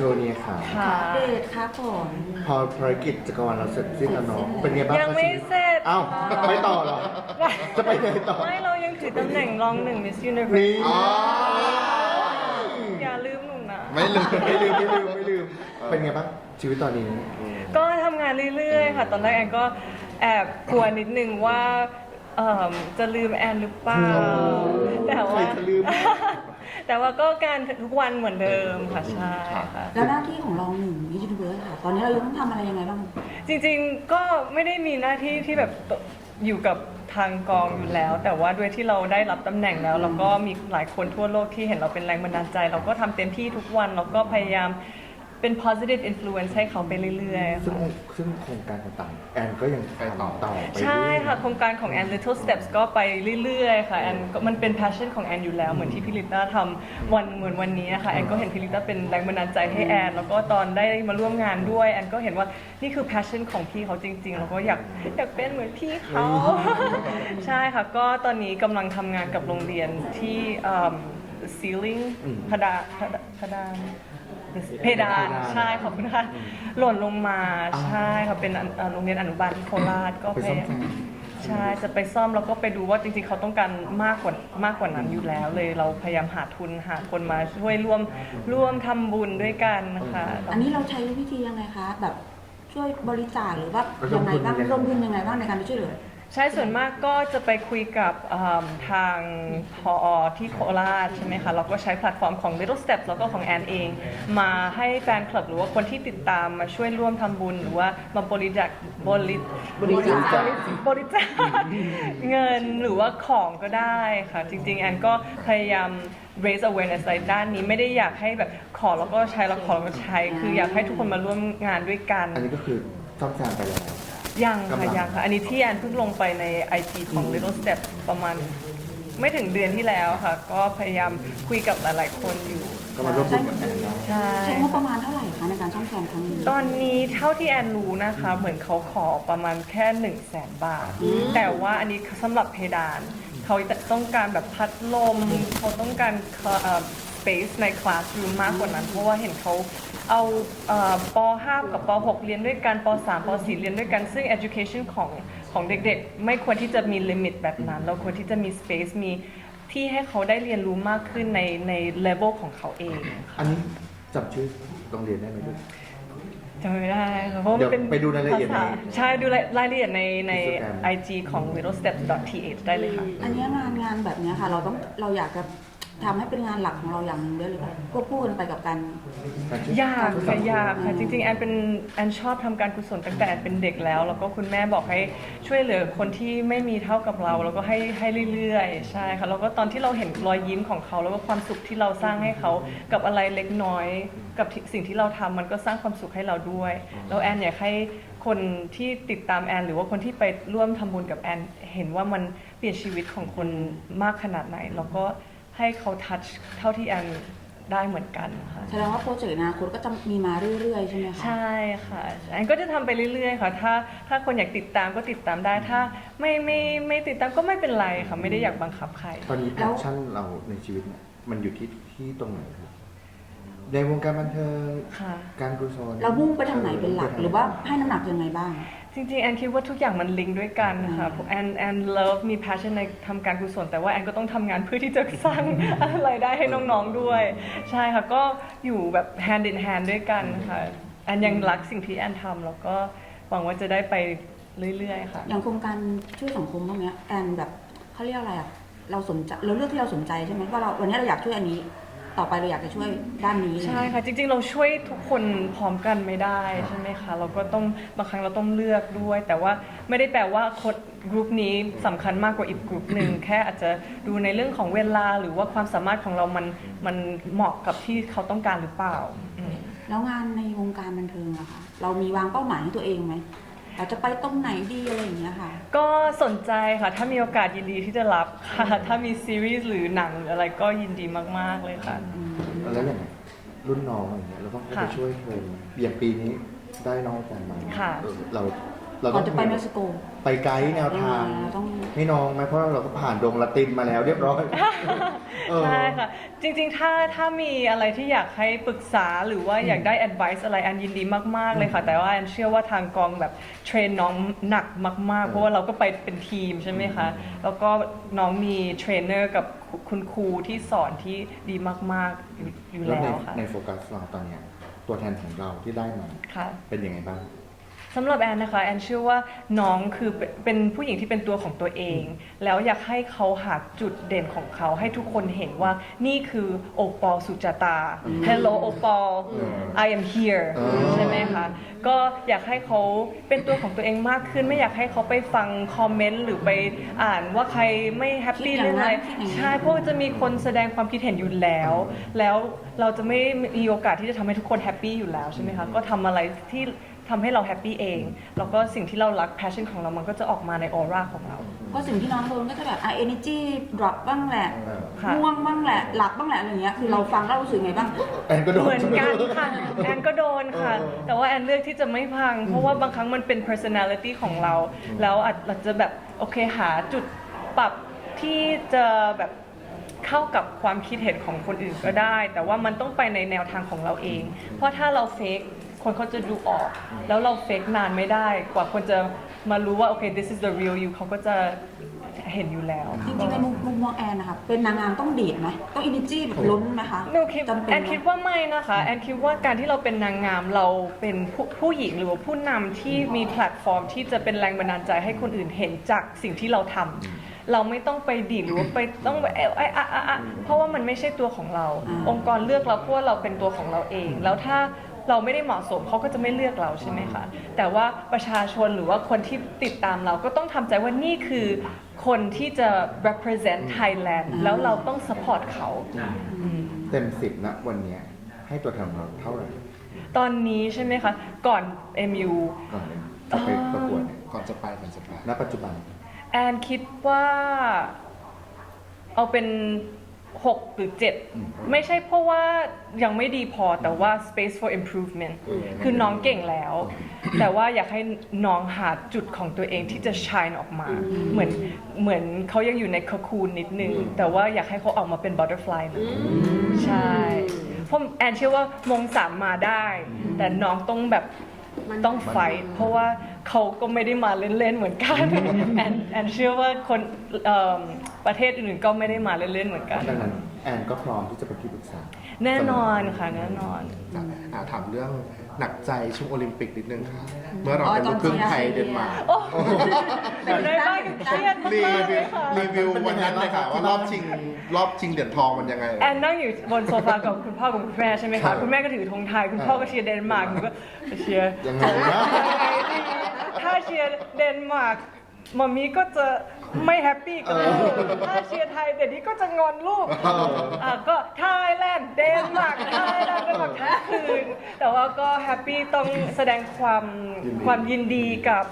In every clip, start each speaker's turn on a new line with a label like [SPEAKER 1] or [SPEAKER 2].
[SPEAKER 1] ว์นี้ค่ะ
[SPEAKER 2] เดทครับผม
[SPEAKER 1] พอภารกิจจักรวาลเราเสร็จสิ้นแล้วเนาะเป็นไงบ้าง
[SPEAKER 3] ยังไม่เสร็จ
[SPEAKER 1] อ้าวไม่ต่อเหรอ จะไปไหนต่อ
[SPEAKER 3] ไม่เรายังถือตำแหน่งรองหนึ่ง Miss Universe
[SPEAKER 1] นี่
[SPEAKER 3] อย่าลืมหนูนะ
[SPEAKER 1] ไม่ลืมเป็นไงบ้างชีวิตตอนนี้
[SPEAKER 3] ก็ทำงานเรื่อยๆค่ะ ตอนแรกแอนก็แอบกลัวนิดนึงว่าจะลืมแอนหรือเปล่า แต่ว่า
[SPEAKER 1] ใครจะลืม
[SPEAKER 3] แต่ว่าก็การทุกวันเหมือนเดิมค่ะใช่ค่ะ
[SPEAKER 2] แล้วหน้าที่ของรองหนึ่งมิสยูนิเวิร์สค่ะ ตอนนี้เรายังต้องทำอะไรยังไงบ้าง
[SPEAKER 3] จริงๆก็ไม่ได้มีหน้าที่ที่แบบอยู่กับทางกองอยู่แล้ว แต่ว่าด้วยที่เราได้รับตำแหน่งแล้วเราก็มีหลายคนทั่วโลกที่เห็นเราเป็นแรงบันดาลใจ เราก็ทำเต็มที่ทุกวันเราก็พยายามเป็น positive influence ให้เขาไปเรื่อยๆ
[SPEAKER 1] ซึ่ง
[SPEAKER 3] ค่ะ
[SPEAKER 1] โครงการต่างๆแอนก็ยังทำต่อไป
[SPEAKER 3] ใช่ค่ะโครงการของแอน Little Steps ก็ไปเรื่อยๆค่ะแอนก็มันเป็น passion ของแอนอยู่แล้วเหมือนที่พิลิต้าทำเหมือนวันนี้ค่ะแอนก็เห็นพิลิต้าเป็นแรงบันดาลใจให้แอนแล้วก็ตอนได้มาร่วมงานด้วยแอนก็เห็นว่านี่คือ passion ของพี่เขาจริงๆแล้วก็อยากเป็นเหมือนพี่เขา ใช่ค่ะก็ตอนนี้กำลังทำงานกับโรงเรียนที่ceiling พดานเพดานใช่ขอบคุณค่ะหล่นลงมาใช่ค่ะเป็นโรงเรียนอนุบาลที่โคราชก็
[SPEAKER 1] ไปซ่อมแซม
[SPEAKER 3] ใช่จะไปซ่อมแล้วก็ไปดูว่าจริงๆเขาต้องการมากกว่านั้นอยู่แล้วเลยเราพยายามหาทุนหาคนมาช่วยร่วมทำบุญด้วยกันนะคะ
[SPEAKER 2] อันนี้เราใช้วิธียังไงคะ แบบช่วยบริจาคหรือว่ายังไงบ้างร่วมทุนยังไงบ้างในการไปช่วยเหลือ
[SPEAKER 3] ใช่ส่วนมากก็จะไปคุยกับทางพอที่โคราชใช่ไหมคะเราก็ใช้แพลตฟอร์มของ Little Steps แล้วก็ของแอนเอง มาให้แฟนคลับหรือว่าคนที่ติดตามมาช่วยร่วมทำบุญหรือว่ามาบริจาคเงินหรือว่าของก็ได้ค่ะจริงๆแอนก็พยายาม raise awareness ในด้านนี้ไม่ได้อยากให้แบบขอแล้วก็ใช้แล้วขอแล้วก็ใช้คืออยากให้ทุกคนมาร่วมงานด้วยกัน
[SPEAKER 1] อันนี้ก็คือซ่อมแซมไปแล้ว
[SPEAKER 3] ยัง
[SPEAKER 1] กำลั
[SPEAKER 3] ค่ะ
[SPEAKER 1] ง
[SPEAKER 3] ยังค่ะอันนี้ที่แอนเพิ่งลงไปใน IG ของ Little Step ประมาณไม่ถึงเดือนที่แล้วค่ะ ก็พยายามคุยกับหลาย ๆ คนอยู่
[SPEAKER 1] ก็มาร่วมบุญกับแอนเนาะ
[SPEAKER 3] ใช่
[SPEAKER 2] ใช้งบประมาณเท่าไหร่คะในการซ่อมแซมครั้งนี้
[SPEAKER 3] ตอนนี้เท่าที่แอนรู้นะคะ เหมือนเขาขอประมาณแค่ 100,000 บาท แต่ว่าอันนี้สำหรับเพดาน เขาต้องการแบบพัดลม เขาต้องการspace ในคลาสรูมมากกว่านั้น เพราะว่าเห็นเขาเอาป .5 กับป .6 เรียนด้วยกันป .3 ป .4 เรียนด้วยกัน ซึ่ง education ของเด็กๆ ไม่ควรที่จะมี limit แบบนั้น เราควรที่จะมี space มีที่ให้เขาได้เรียนรู้มากขึ้นใน level ของเขาเอง
[SPEAKER 1] อันนี้จำชื่อโรงเรียนได้ไหมลูก
[SPEAKER 3] จำไม่ได้ค่ะเพราะมันเป็น
[SPEAKER 1] เดี๋ยวไปดูรายละเอียดใน
[SPEAKER 3] ภษใช่ดูรายละเอียดใน
[SPEAKER 1] Instagram
[SPEAKER 3] IG ของ littlesteps.th ได้เลยค่ะ
[SPEAKER 2] อันนี้งานแบบนี้ค่ะ เราอยากจะทำให้เป็นงานหลักของเราอย่างหนึงด้วยหรือเปล่าควบคู่กันไปกับการ
[SPEAKER 3] ยากค่ะจริงๆแอนชอบทำการกุศลตั้งแต่แอนเป็นเด็กแล้วก็คุณแม่บอกให้ช่วยเหลือคนที่ไม่มีเท่ากับเราแล้วก็ให้เรื่อยๆใช่ค่ะแล้วก็ตอนที่เราเห็นรอยยิ้มของเขาแล้วก็ความสุขที่เราสร้างให้เขากับอะไรเล็กน้อยกับสิ่งที่เราทำมันก็สร้างความสุขให้เราด้วยแล้วแอนอยากให้คนที่ติดตามแอนหรือว่าคนที่ไปร่วมทำบุญกับแอนเห็นว่ามันเปลี่ยนชีวิตของคนมากขนาดไหนแล้วก็ให้เขาทัชเท่าที่แอนได้เหมือนกันค่ะ
[SPEAKER 2] แสดงว่าโปรเจกต์อนาคตก็จะมีมาเรื่อยๆใช่ไหมคะ
[SPEAKER 3] ใช่ค่ะแอนก็จะทำไปเรื่อยๆค่ะถ้าคนอยากติดตามก็ติดตามได้ถ้าไม่ติดตามก็ไม่เป็นไรค่ะไม่ได้อยากบังคับใคร
[SPEAKER 1] ตอนนี้แพชชั่นเราในชีวิตเนี่ยมันอยู่ที่ตรงไหนครับในวงการบันเทิง
[SPEAKER 3] ค่ะ
[SPEAKER 1] การกุศล
[SPEAKER 2] เรามุ่งไปทางไหนเป็นหลักหรือว่าให้น้ำหนักยังไงบ้าง
[SPEAKER 3] จริงๆแอนคิดว่าทุกอย่างมันลิงก์ด้วยกันค่ะแอนเลิฟมี passion ในทำการกุศลแต่ว่าแอนก็ต้องทำงานเพื่อที่จะสร้าง รายได้ให้น้องๆด้วย ใช่ค่ะก็อยู่แบบ hand in hand ด้วยกันค่ะแอนยังรักสิ่งที่แอนทำแล้วก็หวังว่าจะได้ไปเรื่อยๆค่ะ
[SPEAKER 2] อย่างโครงการช่วยสังคมพวกเนี้ยแอนแบบเขาเรียกอะไรอ่ะเราสนใจเราเลือกที่เราสนใจใช่ไหมว่าวันนี้เราอยากช่วยอันนี้ต่อไปเราอยากจะช่วยด้านนี้
[SPEAKER 3] ใช่ค่ะจริงๆเราช่วยทุกคนพร้อมกันไม่ได้ใช่ไหมคะเราก็ต้องบางครั้งเราต้องเลือกด้วย แต่ว่าไม่ได้แปลว่าคนกลุ่มนี้สำคัญมากกว่าอีกกลุ่มหนึ่งแค่อาจจะดูในเรื่องของเวลาหรือว่าความสามารถของเรามันเหมาะกับที่เขาต้องการหรือเปล่าอืม
[SPEAKER 2] แล้วงานในวงการบันเทิงอะค่ะเรามีวางเป้าหมายให้ตัวเองไหมเราจะไปตรงไหนดีอะไรอย่างเงี้ยค่ะ
[SPEAKER 3] ก็สนใจค่ะถ้ามีโอกาสยินดีที่จะรับค่ะถ้ามีซีรีส์หรือหนังหรืออะไรก็ยินดีมากๆเลยค่ะ
[SPEAKER 1] แล้วอย่างรุ่นน้องอย่างเงี้ยเราต้องเข้าไป
[SPEAKER 3] ค่ะ
[SPEAKER 1] ช่วยเทรนอย่างปีนี้ได้น้องแต่มา
[SPEAKER 3] ค่ะ
[SPEAKER 1] เราเรา
[SPEAKER 2] ก่
[SPEAKER 1] ต้
[SPEAKER 2] อ
[SPEAKER 1] อน ง
[SPEAKER 2] จะไปเม็กซิโก
[SPEAKER 1] ไปไกด์แนวทาง
[SPEAKER 2] ต้อง
[SPEAKER 1] ให้น้องไหมเพราะเราก็ผ่านดงละตินมาแล้วเรียบร้อยเออ
[SPEAKER 3] ใช่ค่ะ จริงๆ ถ้ามีอะไรที่อยากให้ปรึกษาหรือว่าอยากได้ advice อะไรอันยินดีมากๆเลยค่ะ แต่ว่าอันเชื่อว่าทางกองแบบเทรนน้องหนักมากๆ เพราะว่าเราก็ไปเป็นทีมใช่ไหมคะ แล้วก็น้องมีเทรนเนอร์กับคุณครูที่สอนที่ดีมากๆอยู่
[SPEAKER 1] แล้ว
[SPEAKER 3] แล้วค่ะ
[SPEAKER 1] ในโฟกัสเราตอนเนี้ยตัวแทนของเราที่ได้มา
[SPEAKER 3] ค่ะ
[SPEAKER 1] เป็นยังไงบ้าง
[SPEAKER 3] สำหรับแอนนะคะแอนเชื่อว่าน้องคือเป็นผู้หญิงที่เป็นตัวของตัวเอง แล้วอยากให้เขาหาจุดเด่นของเขาให้ทุกคนเห็นว่านี่คือโอปอลสุจตา Hello โอปอล I am here ใช่ไหมคะก็อยากให้เขาเป็นตัวของตัวเองมากขึ้น ไม่อยากให้เขาไปฟังคอมเมนต์หรือไปอ่านว่าใครไม่แฮปปี้เรื่องอะไรใช่เพราะว่าจะมีคนแสดงความคิดเห็นอยู่แล้ว แล้วเราจะไม่มีโอกาสที่จะทำให้ทุกคนแฮปปี้อยู่แล้วใช่ไหมคะก็ทำอะไรที่ทำให้เราแฮปปี้เอง แล้วก็สิ่งที่เรารัก passion ของเรามันก็จะออกมาในออร่าของเรา
[SPEAKER 2] ก็สิ่งที่น้องโดนก็จะแบบenergy drop บ้างแหละ
[SPEAKER 3] ค่ะ
[SPEAKER 2] ง่วงบ้างแหละ หลับบ้างแหละอะไรเงี้ย คือเราฟังแล้วรู้สึกไงบ้าง
[SPEAKER 1] แอนก็โดน
[SPEAKER 3] เหมือนกันค่ะ แอนก็โดนค่ะ แต่ว่าแอนเลือกที่จะไม่พัง เพราะว่าบางครั้งมันเป็น personality ของเรา แล้วอาจจะแบบโอเคหาจุดปรับที่จะแบบเข้ากับความคิดเห็นของคนอื่นก็ได้ แต่ว่ามันต้องไปในแนวทางของเราเอง เพราะถ้าเราเฟกคนเขาจะดูออก แล้วเราเฟกนานไม่ได้ กว่าคนจะมารู้ว่าโอเค this is the real you เขาก็จะเห็นอยู่แล้ว
[SPEAKER 2] จริงๆในมุมมองแอนนะคะเป็นนางงามต้องดีดไหมต้อง energy แบบล้นไหมคะ
[SPEAKER 3] หนูคิด
[SPEAKER 2] จำเป็น
[SPEAKER 3] แอน
[SPEAKER 2] ไหม
[SPEAKER 3] คิดว่าไม่นะคะแอนคิดว่าการที่เราเป็นนางงามเราเป็นผู้หญิงหรือว่าผู้นำที่มีแพลตฟอร์มที่จะเป็นแรงบันดาลใจให้คนอื่นเห็นจากสิ่งที่เราทำเราไม่ต้องไปดีดหรือว่าไปต้องไปเพราะว่ามันไม่ใช่ตัวของเรา องค์กรเลือกเราเพราะว่าเราเป็นตัวของเราเอง แล้วถ้าเราไม่ได้เหมาะสมเขาก็จะไม่เลือกเราใช่ไหมคะแต่ว่าประชาชนหรือว่าคนที่ติดตามเราก็ต้องทำใจว่านี่คือคนที่จะ represent Thailand แล้วเราต้อง support เขา
[SPEAKER 1] เต็ม10นะวันเนี้ยให้ตัวแทนของเราเท่าไหร่
[SPEAKER 3] ตอนนี้ใช่ไหมคะ ก่อน MU
[SPEAKER 1] ก่อนเลยจะไปประกวดเนี่ย
[SPEAKER 4] ก่อนจะไป
[SPEAKER 1] ณปัจจุบัน
[SPEAKER 3] แอนคิดว่าเอาเป็น 6 หรือ 7 ไม่ใช่เพราะว่ายังไม่ดีพอแต่ว่า space for improvement คือน้องเก่งแล้ว แต่ว่าอยากให้น้องหาจุดของตัวเองที่จะ shine ออกมา เหมือนเขายังอยู่ในคคูนนิดนึง แต่ว่าอยากให้เขาออกมาเป็น butterfly เลยใช่เพราะแอนเชื่อว่ามง3มาได้ แต่น้องต้องแบบต้องไฟท์เพราะว่าเขาก็ไม่ได้มาเล่นๆเหมือนกัน แอนเชื่อว่าคนประเทศอื่นๆก็ไม่ได้มาเล่นๆเหมือนกัน
[SPEAKER 1] ดังนั้นแอนก็พร้อมที่จะเป็นที่ปรึกษา
[SPEAKER 3] แน่นอนค่ะแน่นอน
[SPEAKER 4] ถามเรื่องหนักใจช่วงโอลิมปิกนิดนึงค่ะ เมื่อเราเป็นลูกครึ่งไทยเดนมาร์ก
[SPEAKER 3] โอ้เป็นได้บ้างเครียดมาก
[SPEAKER 4] รี
[SPEAKER 3] ๆเล
[SPEAKER 4] วิ
[SPEAKER 3] ยว ค่ะ
[SPEAKER 4] รีวิววันนั้นเลยค่ะ ว่ารอบชิงเหรียญทองมันยังไง
[SPEAKER 3] แอนนั่งอยู่บนโซฟากับคุณพ่อกับคุณแม่ใช่ไหม
[SPEAKER 4] ครั
[SPEAKER 3] คะ
[SPEAKER 4] บ
[SPEAKER 3] คุณแม่ก็ถือธงไทย คุณพ่อก็เชียร์เดนมาร์กหนูก็เชียร์
[SPEAKER 1] ยังไงนะ
[SPEAKER 3] ถ้าเชียร์เดนมาร์กมัมมี่ก็จะไม่แฮปปี้กับลูกถ้าเชียร์ไทยเดี๋ยวนี้ก็จะงอนลูกก็ไทยแลนด์เดนมาร์กไทยแลนด์เดนมาร์กทั้งคืนแต่ว่าก็แฮปปี้ต้องแสดงความยินดีกับ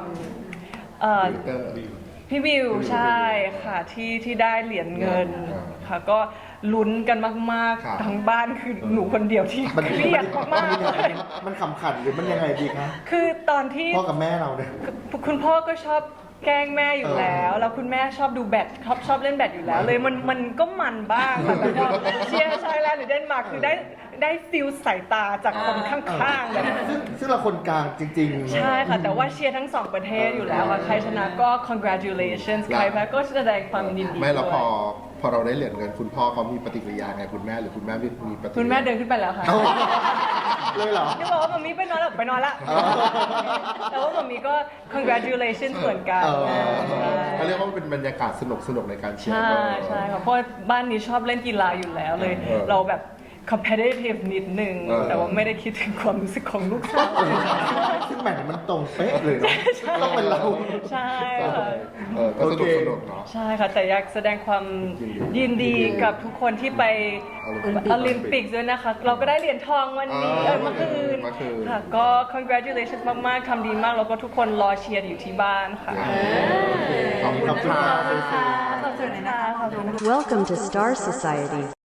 [SPEAKER 3] พี่วิวใช่ค่ะที่ได้เหรียญเงินค่ะก็ลุ้นกันมาก
[SPEAKER 4] ครับ
[SPEAKER 3] ๆทั้งบ้านคือหนูคนเดียวที่
[SPEAKER 1] มัน
[SPEAKER 3] เครียดมากๆเลย
[SPEAKER 1] มันขำขันหรือมันยังไงดีคะ
[SPEAKER 3] คือตอนที่
[SPEAKER 1] พ่อกับแม่เราเนี่ย
[SPEAKER 3] คุณพ่อก็ชอบแกล้งแม่อยู่แล้ว แล้วคุณแม่ชอบดูแบดชอบเล่นแบดอยู่แล้ว เลยมันก็มันบ้างค่ะแต่พอเชียร์ไทยแลนด์หรือเดนมาร์กคือได้ฟิลสายตาจากคนข้างๆแบบ
[SPEAKER 1] ซึ่งเราคนกลางจริงๆ
[SPEAKER 3] ใช่ค่ะ แต่ว่าเชียร์ทั้งสองประเทศอยู่แล้วค่ะใครชนะก็ congratulations ใครแพ้ก็แสดงความยินดี
[SPEAKER 4] ไม่แล้ว
[SPEAKER 3] ด้วย
[SPEAKER 4] พอเราได้เหรียญเงินคุณพ่อเขามีปฏิกิริยาไงคุณแม่หรือคุณแม่มีปฏิกิริยา
[SPEAKER 3] คุณแม่เดินขึ้นไปแล้วค่ะ
[SPEAKER 1] เลยเหรอ
[SPEAKER 3] นี่บอกว่ามัมมี่ไปนอนแล้วไปนอนละ แต่ว่ามัมมี่ก็ congratulations เหมือนกัน
[SPEAKER 4] เขาเรียกว่าเป็นบรรยากาศสนุกในการเชียร์
[SPEAKER 3] ใช่ใช่ค่ะเพราะบ้านนี้ชอบเล่นกีฬาอยู่แล้วเลย เราแบบ competitive นิดนึง แต่ว่าไม่ได้คิดถึงความรู้สึกของลูกสาว
[SPEAKER 1] ซึ่งแหมมันตรงเป๊ะเลยเนาะต้องเป็นเรา
[SPEAKER 3] ใช่ค่ะ
[SPEAKER 4] ก็สนุกเนาะ
[SPEAKER 3] ใช่ค่ะ แต่อยากแสดงความยินดีกับทุกคนที่ไปโอลิมปิกด้วยนะคะ เราก็ได้เหรียญทองวันนี้เมื่อคืนค่ะก็ congratulations มากๆทำดีมากแล้วก็ทุกคนรอเชียร์อยู่ที่บ้านค่ะ
[SPEAKER 4] ขอบคุณค่ะ
[SPEAKER 3] ขอบคุณค่ะ
[SPEAKER 2] ขอบคุณนะคะ
[SPEAKER 3] ขอบคุณค่ะ
[SPEAKER 5] Welcome to Star Society.